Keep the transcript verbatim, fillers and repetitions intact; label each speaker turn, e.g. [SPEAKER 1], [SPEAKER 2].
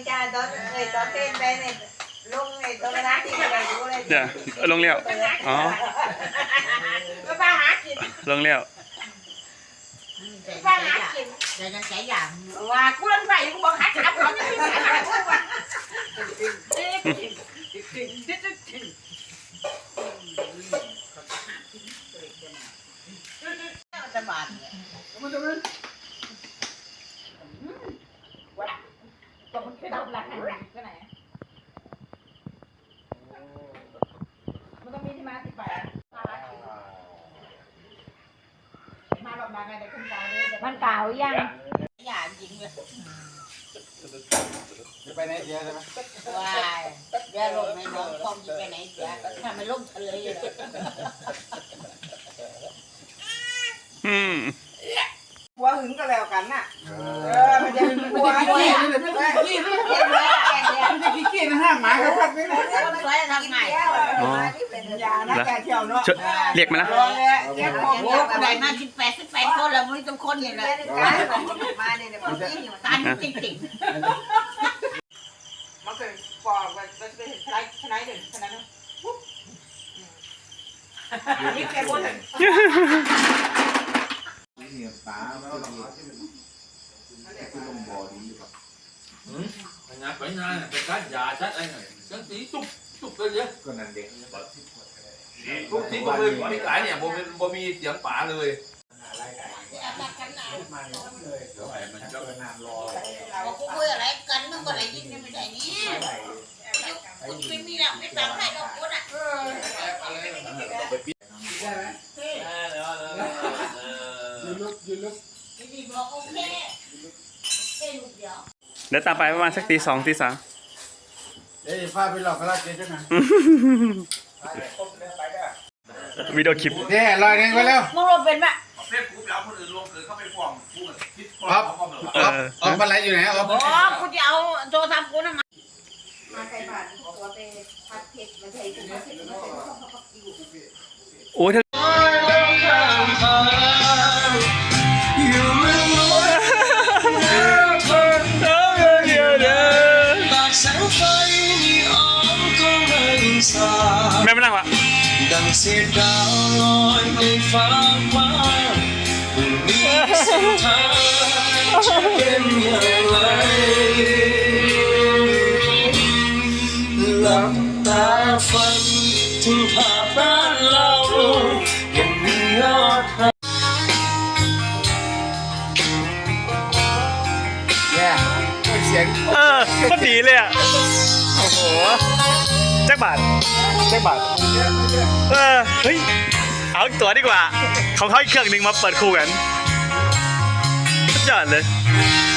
[SPEAKER 1] จ้าตอนเคยตอนเต้นไปเนี่ยลงในตัวร้านที่เราดูเลย
[SPEAKER 2] เดี๋ยวลงเลี้ยวอ๋อ
[SPEAKER 1] ก็ป้าหากิน
[SPEAKER 2] ลงเลี้ยว
[SPEAKER 1] ป้าหากิน
[SPEAKER 3] เดี๋ยวจะใช้อย่าง
[SPEAKER 1] ว่ากูเล่นไปกูบอกหาจับเขาจะไม่หากูว่ะจะบาดเนี่ยมันจะมันว่าตัวมันคือดับหลักก็ไหนมันต้องมีที่มาที่ไปมาแบบมาไงเด็กขึ้นตาเลยมันเก่ายังอย่าจริงเลย
[SPEAKER 4] จะไปไหนเดียวใช่ไหม
[SPEAKER 3] ว้ายเดี๋ยวลงในน้องคอมจะไปไหนเสียถ้ามันลงทะเลเลย
[SPEAKER 2] อืม
[SPEAKER 1] หัวหึงก็แล้วกันน่ะเออมันจะหัวเนี่ยขี้ขี้ขี้เนี่ยขี้ขี้นะฮะหมาเขาพักนี่นะ
[SPEAKER 3] คนสวยทำไง
[SPEAKER 2] อ๋อ
[SPEAKER 1] อย่านะแกเที่ยวเนาะ
[SPEAKER 2] ชเรียกมานะ
[SPEAKER 1] รอเลยแกขอ
[SPEAKER 3] โอ้
[SPEAKER 1] หัว
[SPEAKER 3] โหได้มาสิบแปดสิบแปดคนแล้วมึงต้องคนเนี่ยแหละ
[SPEAKER 1] มาเนี่ยเดี๋ยวมันยิ่งอยู่
[SPEAKER 3] ตันจริง
[SPEAKER 1] มันเคยปอกมันมันเป็นชนะชนะหนึ่งชนะหนึ่งนี่แกคนหนึ่ง
[SPEAKER 4] นี่ปลาไม่ต้องกินคือลงบ่อดีครับ
[SPEAKER 5] Ừ, nhà phải nhà cái cá già chết anh này, cái tí chúc chúc cái gì?
[SPEAKER 4] ก็นั่นเด็ก
[SPEAKER 5] Chúc tí bố mi bố mi cái này, bố mi bố mi tiếng bả rồi.
[SPEAKER 4] เดี๋ยวไอ้มันก็นานรอ
[SPEAKER 3] ๆบอกกูคุยอะไรกันมึงก็ได้ยินไม่ได้นี่คุณไม่มีแล้วไม่ฟังให้เราพูดอ่ะ
[SPEAKER 4] ยืนลุกยืนลุก
[SPEAKER 3] ดีบอกโอเคเอ้ยลูกเดียว
[SPEAKER 2] เดี๋ยวตามไปประมาณสักตีสองตีสาม
[SPEAKER 4] เอ้ยพาไปหลอกกระลาเกจ้านะ
[SPEAKER 2] วิดีโอคลิป
[SPEAKER 4] เด้ลอยหนึ่งไปแล้ว
[SPEAKER 3] มึงลงเป็นปะ
[SPEAKER 5] เพื่อนกูไปเอาคนอื่นลงคือเข้าไปฟ้องกูคิดฟ้อง
[SPEAKER 4] อ๊อฟ
[SPEAKER 5] เขาแบบ
[SPEAKER 4] อ๊อฟอ๊อฟอะไรอยู่ไหนอ๊อฟ
[SPEAKER 3] อ๋อกูจะเอาโทรศัพท์กูนะมา
[SPEAKER 1] มาใส่บาตรตัวไปพัดเพชรมาใส่ถุงมาใส่ถุงมาใส่ถุงเขาอยู่
[SPEAKER 2] โอ้ยถ้าแม่ไม่นั่งวะ
[SPEAKER 6] ดังเสียงดาวลอยในฟ้าฟ้าผู้มีเส้นทางจะเป็นอย่างไรหลับตาฝันถึงภาพบ้านเรายังมียอดรัก
[SPEAKER 4] แย่เสียง
[SPEAKER 2] เออโคตรดีเลยอ่ะ โอ้โหแจ็คบาทแจ็คบาทเออ เฮ้ย เอาอีกตัวดีกว่า ของเขาอีกเครื่องหนึ่งมาเปิดคู่กันสุดยอดเลย
[SPEAKER 6] เ